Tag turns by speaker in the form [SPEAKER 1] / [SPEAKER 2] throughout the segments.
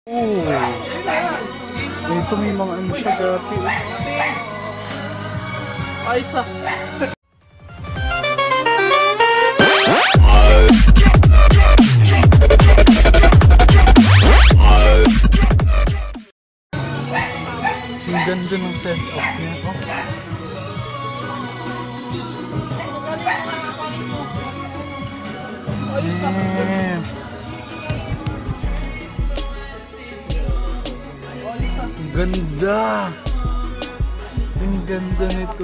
[SPEAKER 1] Oh. Ito may mga ano siya dati.
[SPEAKER 2] Ayos na.
[SPEAKER 1] Ang ganda ng setup niya. Oh. Ganda! Ang ganda nito.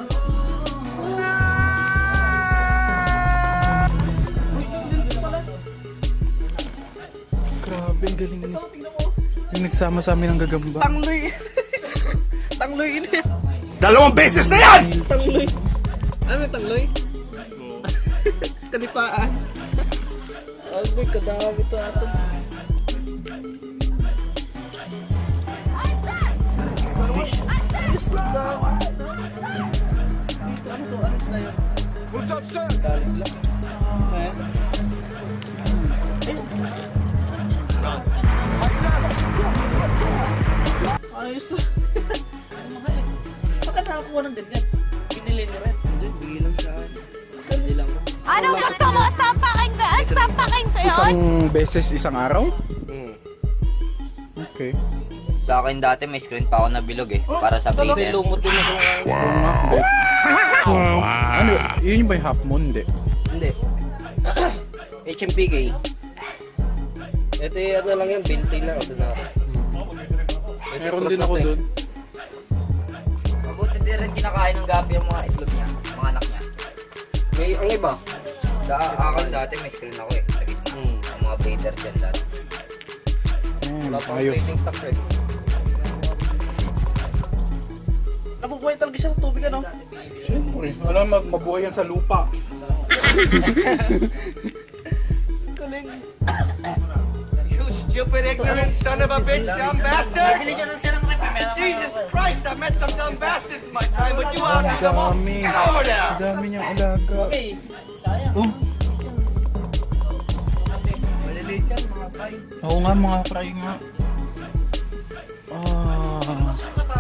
[SPEAKER 1] Grabe, ang galing nito. Yung nagsama sa amin ng gagamba.
[SPEAKER 2] Tangloy. Tangloy ini.
[SPEAKER 3] 2 beses na yan!
[SPEAKER 2] Tangloy. Ano yung tangloy? Kanipaan. Ay, kadami ito ato.
[SPEAKER 3] What's up, sir?
[SPEAKER 2] Ayos na. Bakit nakakuha ng ganyan? Binili ni Red. Hindi, bilang siya. Hindi lang mo.
[SPEAKER 4] Anong gusto mo? Sampakin ko? Sampakin ko yun?
[SPEAKER 1] Isang beses, isang araw? Okay.
[SPEAKER 5] Sa akin dati may screen pa ako na bilog eh, para sa
[SPEAKER 2] Kasi
[SPEAKER 5] blazer.
[SPEAKER 2] lumot din ako.
[SPEAKER 1] Ano, yun yung ba yung half moon? Hindi.
[SPEAKER 2] Hindi. HMPK. Ito yung ano lang yan, binti na. Ito na.
[SPEAKER 1] Meron din ako doon.
[SPEAKER 5] Mabuti din rin kinakain ng gabi yung mga itlog niya, mga anak niya.
[SPEAKER 2] May ang iba.
[SPEAKER 5] Sa akin dati may screen ako eh, sa gitna. Ang mga blazer dyan dati.
[SPEAKER 2] Wala pang
[SPEAKER 1] Ayos.
[SPEAKER 2] plating stock red. Nabubuhay talaga siya sa tubig ano?
[SPEAKER 1] Siyempre. Alam, mabuhay yan sa lupa.
[SPEAKER 2] Galing.
[SPEAKER 3] You stupid, ignorant son of a bitch, dumb bastard! Jesus Christ, I met some dumb bastards in my time, but you are
[SPEAKER 1] Ang dami.
[SPEAKER 3] Get over there!
[SPEAKER 1] Ang dami niyang alaga. Oh.
[SPEAKER 2] Maliliit yan mga fry.
[SPEAKER 1] Oo nga, mga fry nga. Ah.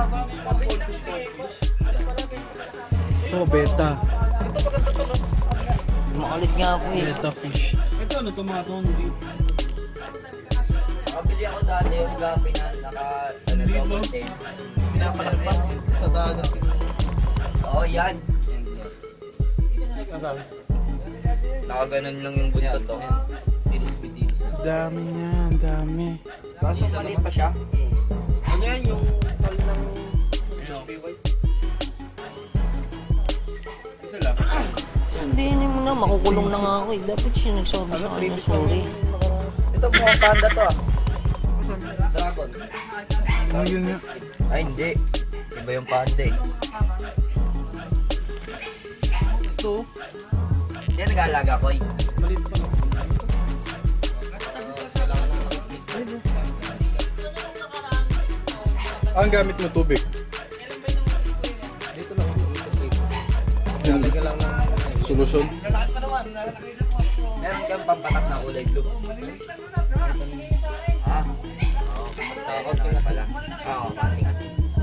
[SPEAKER 1] Ito, beta.
[SPEAKER 2] Ito maganda to no?
[SPEAKER 5] Makalit nga ako eh.
[SPEAKER 1] Beta fish.
[SPEAKER 2] Ito ano to mga tono dito?
[SPEAKER 5] Nakabili ako dati yung gabi na ano double tail.
[SPEAKER 2] Pinapalagpas sa dagat.
[SPEAKER 5] Oo yan.
[SPEAKER 2] Masabi?
[SPEAKER 5] Nakaganon lang yung buntot to. Dilis-bidilis.
[SPEAKER 1] Dami niya, dami.
[SPEAKER 5] Kasi maliit pa siya.
[SPEAKER 2] Ano yan yung tal ng PY? Isa lang.
[SPEAKER 6] Sabihin mo na, makukulong na nga ako eh. Dapat siya nagsabi sa akin na sorry.
[SPEAKER 5] Ito mga panda to ah.
[SPEAKER 2] Dragon.
[SPEAKER 1] Oh, yun nga.
[SPEAKER 5] Ay hindi. Iba yung panda eh.
[SPEAKER 2] Ito.
[SPEAKER 5] Yan nag-aalaga ko eh.
[SPEAKER 2] Maliit pa.
[SPEAKER 1] Ang gamit mo tubig.
[SPEAKER 2] Dito lang. Lalagyan lang ng
[SPEAKER 1] Solusyon.
[SPEAKER 5] Meron kang pampatak na kulay blue. Ah? Oo. Takot ka na pala. Oo, mati kasi.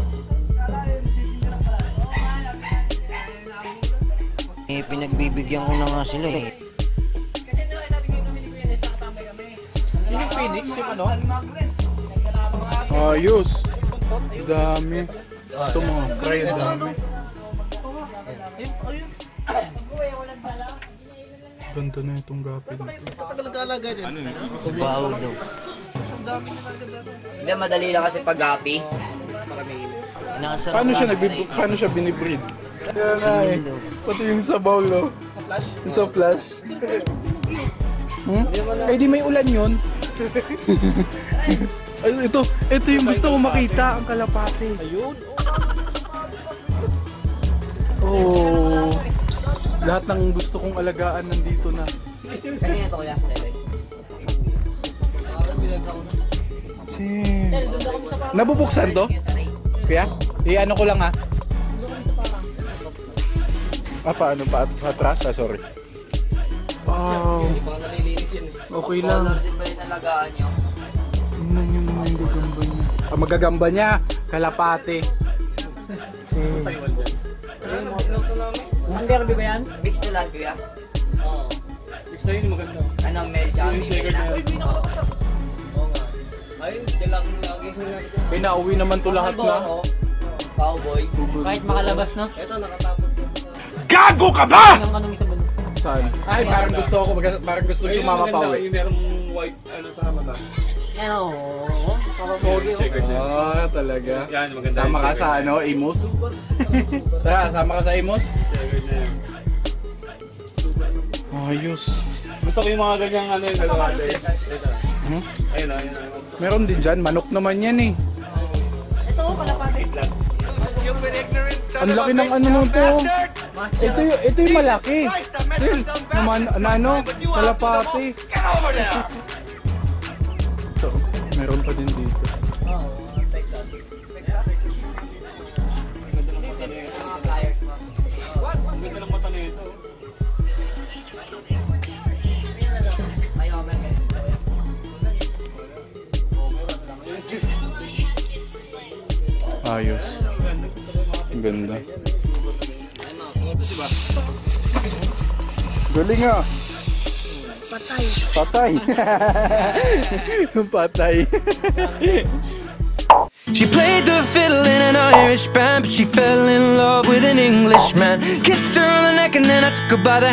[SPEAKER 6] Eh, pinagbibigyan ko na nga sila eh.
[SPEAKER 2] Yun yung Phoenix, yung ano?
[SPEAKER 1] Ayos. Dami. Ito mga fry, ang dami.
[SPEAKER 2] Ayun.
[SPEAKER 1] Ganda na itong gapi nito.
[SPEAKER 2] Katagal nag-aalaga dyan.
[SPEAKER 6] Baho daw.
[SPEAKER 2] Ang dami nila ganda.
[SPEAKER 5] Hindi, madali lang kasi pag-gapi.
[SPEAKER 6] Nakasarap
[SPEAKER 1] Paano siya binibreed? Kaya nga eh. Pati yung sabaw, no?
[SPEAKER 2] Sa flash?
[SPEAKER 1] Yung sa flash. Eh di may ulan yun. Ay, ito yung gusto ko makita, ang kalapate.
[SPEAKER 2] Ayun.
[SPEAKER 1] Oh. Lahat ng gusto kong alagaan nandito na.
[SPEAKER 5] Kanina to kuya.
[SPEAKER 1] Nabubuksan to? Kuya? Ano ko lang ha. Paano? Patras? Sorry. Wow.
[SPEAKER 2] Hindi pa nga nalilinis yun eh.
[SPEAKER 1] Okay lang.
[SPEAKER 5] Color din ba yung nalagaan nyo?
[SPEAKER 1] Tingnan nyo naman Kamagagamba niya, kalapate. Si...
[SPEAKER 6] Ang derby ba yan?
[SPEAKER 5] Mix na lang, kuya.
[SPEAKER 7] Gusto yun maganda.
[SPEAKER 5] Ano, Mel Jami.
[SPEAKER 2] Ayun, lang lagi.
[SPEAKER 1] Pinauwi naman to lahat na.
[SPEAKER 5] Cowboy.
[SPEAKER 6] Kahit makalabas na.
[SPEAKER 2] Ito, nakatapos.
[SPEAKER 1] Gago ka ba?!
[SPEAKER 6] Hanggang anong isa ba?
[SPEAKER 1] Saan? Ay, parang gusto ko, parang gusto ko sumama pa uwi.
[SPEAKER 7] Yung merong white ano sa mata.
[SPEAKER 6] Yan oo. Kapapogi oh.
[SPEAKER 1] Ah, talaga.
[SPEAKER 7] Yan, maganda.
[SPEAKER 1] Sama ka sa ano, Imus? Tara, sama ka sa Imus? Ayos.
[SPEAKER 7] Gusto ko yung mga ganyang ano yung dalawa.
[SPEAKER 1] Hmm?
[SPEAKER 7] Ayun o, ayun.
[SPEAKER 1] Meron din dyan, manok naman yan eh.
[SPEAKER 6] Ito, kalapate.
[SPEAKER 3] Stupid, ignorant son
[SPEAKER 1] Ang
[SPEAKER 3] of a
[SPEAKER 1] laki ng
[SPEAKER 3] bitch,
[SPEAKER 1] ano
[SPEAKER 3] you
[SPEAKER 1] nung to.
[SPEAKER 3] bastard!
[SPEAKER 1] Ito yung malaki. Sil, naman, ano, kalapati.
[SPEAKER 3] Get over there!
[SPEAKER 1] Ito, meron pa din dito.
[SPEAKER 7] Ang ganda ng mata nito.
[SPEAKER 1] Ayos. Ang ganda. Galing ah. Patay. Patay.
[SPEAKER 8] She played the fiddle in an Irish band, but she fell in love with an Englishman. Kissed her on the neck and then I took her by the